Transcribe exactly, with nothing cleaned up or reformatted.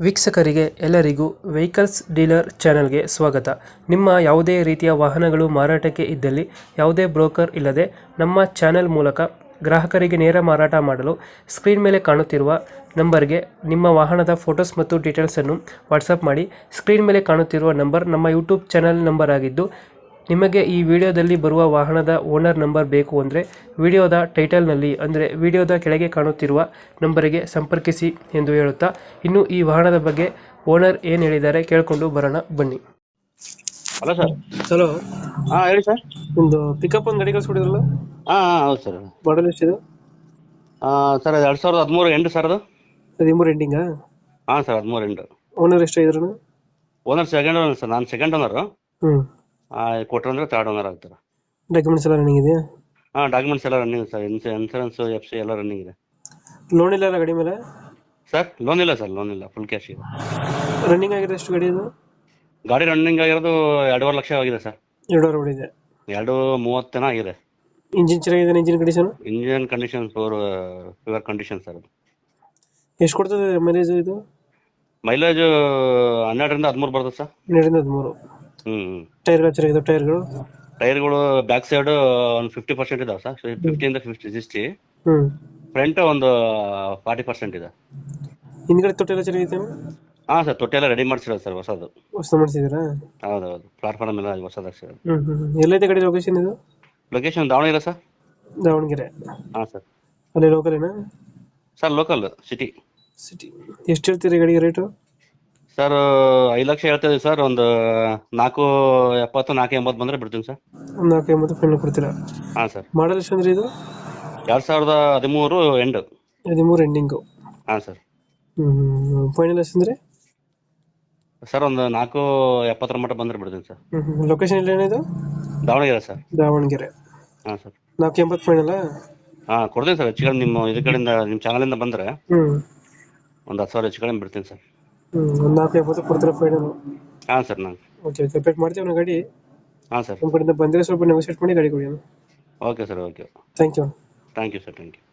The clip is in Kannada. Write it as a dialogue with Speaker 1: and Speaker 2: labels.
Speaker 1: ವೀಕ್ಷಕರಿಗೆ ಎಲ್ಲರಿಗೂ ವೆಹಿಕಲ್ಸ್ ಡೀಲರ್ ಚಾನೆಲ್ಗೆ ಸ್ವಾಗತ. ನಿಮ್ಮ ಯಾವುದೇ ರೀತಿಯ ವಾಹನಗಳು ಮಾರಾಟಕ್ಕೆ ಇದ್ದಲ್ಲಿ ಯಾವುದೇ ಬ್ರೋಕರ್ ಇಲ್ಲದೆ ನಮ್ಮ ಚಾನೆಲ್ ಮೂಲಕ ಗ್ರಾಹಕರಿಗೆ ನೇರ ಮಾರಾಟ ಮಾಡಲು ಸ್ಕ್ರೀನ್ ಮೇಲೆ ಕಾಣುತ್ತಿರುವ ನಂಬರ್ಗೆ ನಿಮ್ಮ ವಾಹನದ ಫೋಟೋಸ್ ಮತ್ತು ಡೀಟೇಲ್ಸನ್ನು ವಾಟ್ಸಪ್ ಮಾಡಿ. ಸ್ಕ್ರೀನ್ ಮೇಲೆ ಕಾಣುತ್ತಿರುವ ನಂಬರ್ ನಮ್ಮ ಯೂಟ್ಯೂಬ್ ಚಾನೆಲ್ ನಂಬರ್ ಆಗಿದ್ದು, ನಿಮಗೆ ಈ ವಿಡಿಯೋದಲ್ಲಿ ಬರುವ ವಾಹನದ ಓನರ್ ನಂಬರ್ ಬೇಕು ಅಂದರೆ ವಿಡಿಯೋದ ಟೈಟಲ್ನಲ್ಲಿ ಅಂದರೆ ವಿಡಿಯೋದ ಕೆಳಗೆ ಕಾಣುತ್ತಿರುವ ನಂಬರಿಗೆ ಸಂಪರ್ಕಿಸಿ ಎಂದು ಹೇಳುತ್ತಾ, ಇನ್ನು ಈ ವಾಹನದ ಬಗ್ಗೆ ಓನರ್ ಏನು ಹೇಳಿದ್ದಾರೆ ಕೇಳಿಕೊಂಡು ಬರೋಣ ಬನ್ನಿ.
Speaker 2: Hello sir.
Speaker 1: ಹಲೋ,
Speaker 2: ಹಾಂ ಹೇಳಿ ಸರ್.
Speaker 1: ಒಂದು ಪಿಕಪ್ ಒಂದು ಗಾಡಿ ಕಳಿಸ್ಕೊಡಿದ್ರಲ್ಲ,
Speaker 2: ಹಾಂ ಹಾಂ ಹೌದು ಸರ್.
Speaker 1: ಮಾಡಲ್ ಎಷ್ಟಿದೆ?
Speaker 2: ಸರ್ ಅದು ಎರಡು ಸಾವಿರದ ಹದಿಮೂರು ಎಂಟು ಸರ್ ಅದು.
Speaker 1: ಹದಿಮೂರು ಎಂಡಿಂಗಾ?
Speaker 2: ಹಾಂ ಸರ್, ಹದಿಮೂರು ಎಂಟು.
Speaker 1: ಓನರ್ ಎಷ್ಟಾಗಿದ್ರು?
Speaker 2: ಓನರ್ ಸೆಕೆಂಡ್ ಓನರ್ ಸರ್, ನಾನು ಸೆಕೆಂಡ್ ಓನರು.
Speaker 1: ಹ್ಞೂ.
Speaker 2: ಕೊಟ್ಟರೆ ತರ್ಡ್ ಓನರ್ ಆಗ್ತಾರೆ.
Speaker 1: ಡಾಕ್ಯುಮೆಂಟ್ಸ್ ಎಲ್ಲ ರನ್ನಿಂಗ್ ಇದೆಯಾ?
Speaker 2: ಹಾಂ, ಡಾಕ್ಯುಮೆಂಟ್ಸ್ ಎಲ್ಲ running sir. Ins insurance F C ಎಲ್ಲ ರನ್ನಿಂಗ್ ಇದೆ.
Speaker 1: ಲೋನ್ ಇಲ್ಲ ಅಲ್ಲ ಗಾಡಿ ಮೇಲೆ?
Speaker 2: ಸರ್ ಲೋನ್ ಇಲ್ಲ ಸರ್, ಲೋನ್ ಇಲ್ಲ, ಫುಲ್ ಕ್ಯಾಶ್ ಇದೆ.
Speaker 1: ರನ್ನಿಂಗ್ ಆಗಿದೆ ಎಷ್ಟು ಗಾಡಿ ಇದು?
Speaker 2: ಗಾಡಿ ರನ್ನಿಂಗ್ ಆಗಿರೋದು ಎರಡೂವರೆ ಲಕ್ಷ ಆಗಿದೆ ಸರ್.
Speaker 1: ಎರಡೂವರೆ ಹೊಡಿದೆ.
Speaker 2: ಎರಡು ಮೂವತ್ತೇನೋ ಆಗಿದೆ.
Speaker 1: ಇಂಜಿನ್ ಚೆನ್ನಾಗಿದೆ? Engine condition?
Speaker 2: Engine condition four pure condition sir ಅದು.
Speaker 1: ಎಷ್ಟು ಕೊಡ್ತದೆ ಮೈಲೇಜ್ ಇದು?
Speaker 2: ಮೈಲೇಜು ಹನ್ನೆರಡರಿಂದ ಹದಿಮೂರು ಬರ್ತದೆ ಸರ್.
Speaker 1: ಹನ್ನೆರಡರಿಂದ ಹದಿಮೂರು.
Speaker 2: ಹ್ಞೂ ಹ್ಞೂ.
Speaker 1: ಟೈರ್ಗಳು ಚೆನ್ನಾಗಿದೆ? ಟೈರ್ಗಳು
Speaker 2: ಟೈರ್ಗಳು ಬ್ಯಾಕ್ ಸೈಡ್ ಒಂದು ಫಿಫ್ಟಿ ಪರ್ಸೆಂಟ್ ಇದಾವೆ ಸರ್. ಫಿಫ್ಟಿಯಿಂದ ಫಿಫ್ಟಿ ಸಿಕ್ಸ್ಟಿ.
Speaker 1: ಹ್ಞೂ.
Speaker 2: ಫ್ರಂಟ್ ಒಂದು ಫಾರ್ಟಿ ಪರ್ಸೆಂಟ್ ಇದೆ.
Speaker 1: ಹಿಂದ್ಗಡೆ ತೊಟ್ಟಿ ಎಲ್ಲ ಚೆನ್ನಾಗೈತೆ?
Speaker 2: ಹಾಂ ಸರ್, ತೊಟ್ಟಿ ಎಲ್ಲ ರೆಡಿ ಮಾಡಿಸಿರೋದು ಸರ್, ಹೊಸದು.
Speaker 1: ಹೊಸ ಮಾಡಿಸಿದ್ದೀರಾ?
Speaker 2: ಹೌದೌದು, ಪ್ಲಾಟ್ಫಾರ್ಮ್ ಎಲ್ಲ ಹೊಸದು ಹಾಕ್ಸಿರೋದು.
Speaker 1: ಹ್ಞೂ ಹ್ಞೂ. ಎಲ್ಲೈತೆ ಗಾಡಿ ಲೊಕೇಶನ್ ಇದು?
Speaker 2: Location Davanagere sir.
Speaker 1: ದಾವಣಗೆರೆ.
Speaker 2: ಹಾಂ ಸರ್.
Speaker 1: ಅಲ್ಲಿ ಲೋಕಲೇನಾ?
Speaker 2: Sir local city.
Speaker 1: ಸಿಟಿ. ಎಷ್ಟು ಹೇಳ್ತೀರಿ ಗಾಡಿಗೆ ರೇಟು?
Speaker 2: ಸರ್ ಐದು ಲಕ್ಷ ಹೇಳ್ತಾ ಸರ್. ಒಂದು ನಾಲ್ಕು ಎಪ್ಪತ್ತು ನಾಲ್ಕು ಎಂಬತ್ತು ಬಂದರೆ ಬಿಡ್ತೀನಿ ಸರ್.
Speaker 1: ಒಂದು ನಾಲ್ಕು ಎಂಬತ್ತು ಫೈನಲ್ ಕೊಡ್ತೀರಾ?
Speaker 2: ಹಾಂ ಸರ್.
Speaker 1: ಮಾಡಲ್ ಎಷ್ಟು ಅಂದ್ರೆ ಇದು?
Speaker 2: ಎರಡು ಸಾವಿರದ ಹದಿಮೂರು ಎಂಡು.
Speaker 1: ಹದಿಮೂರು ಎಂಡಿಂಗು?
Speaker 2: ಹಾಂ ಸರ್.
Speaker 1: ಹ್ಞೂ ಹ್ಞೂ. ಫೈನಲ್ ಎಷ್ಟು ಅಂದರೆ?
Speaker 2: ಸರ್ ಒಂದು ನಾಲ್ಕು ಎಪ್ಪತ್ತರ ಮಟ್ಟ ಬಂದರೆ ಬಿಡ್ತೀನಿ ಸರ್.
Speaker 1: ಹ್ಞೂ ಹ್ಞೂ. ಲೊಕೇಶನ್ ಇಲ್ಲ ಏನಿದು?
Speaker 2: ದಾವಣಗೆರೆ ಸರ್.
Speaker 1: ದಾವಣಗೆರೆ.
Speaker 2: ಹಾಂ ಸರ್.
Speaker 1: ನಾಲ್ಕು ಎಂಬತ್ತು ಫೈನಲ್ಲ?
Speaker 2: ಹಾಂ ಕೊಡ್ತೀನಿ ಸರ್. ಹೆಚ್ಚು ಕಡೆ ನಿಮ್ಮ ಇದ್ರ ಕಡೆಯಿಂದ ನಿಮ್ಮ ಚಾನಲಿಂದ ಬಂದರೆ
Speaker 1: ಹ್ಞೂ
Speaker 2: ಒಂದು ಹತ್ತು ಸಾವಿರ ಹೆಚ್ಚು ಕಡೆ ಬಿಡ್ತೀನಿ ಸರ್.
Speaker 1: ಹ್ಞೂ. ಒಂದು ನಾಲ್ಕು ಎಂಬತ್ತು ಕೊಡ್ತೀರಾ ಫೈನಲ್?
Speaker 2: ಹಾಂ ಸರ್. ನಾನು
Speaker 1: ಓಕೆ ಓಕೆ. ಪೇಟ್ ಮಾಡ್ತೀವಿ ನಾವು ಗಾಡಿ.
Speaker 2: ಹಾಂ ಸರ್.
Speaker 1: ನಮ್ಮ ಕಡೆಯಿಂದ ಬಂದರೆ ಸ್ವಲ್ಪ ನೆಗೋಸಿಯೇಟ್ ಮಾಡಿ ಗಾಡಿ ಕೊಡಿ.
Speaker 2: Okay sir, okay.
Speaker 1: Thank you.
Speaker 2: Thank you sir, thank you.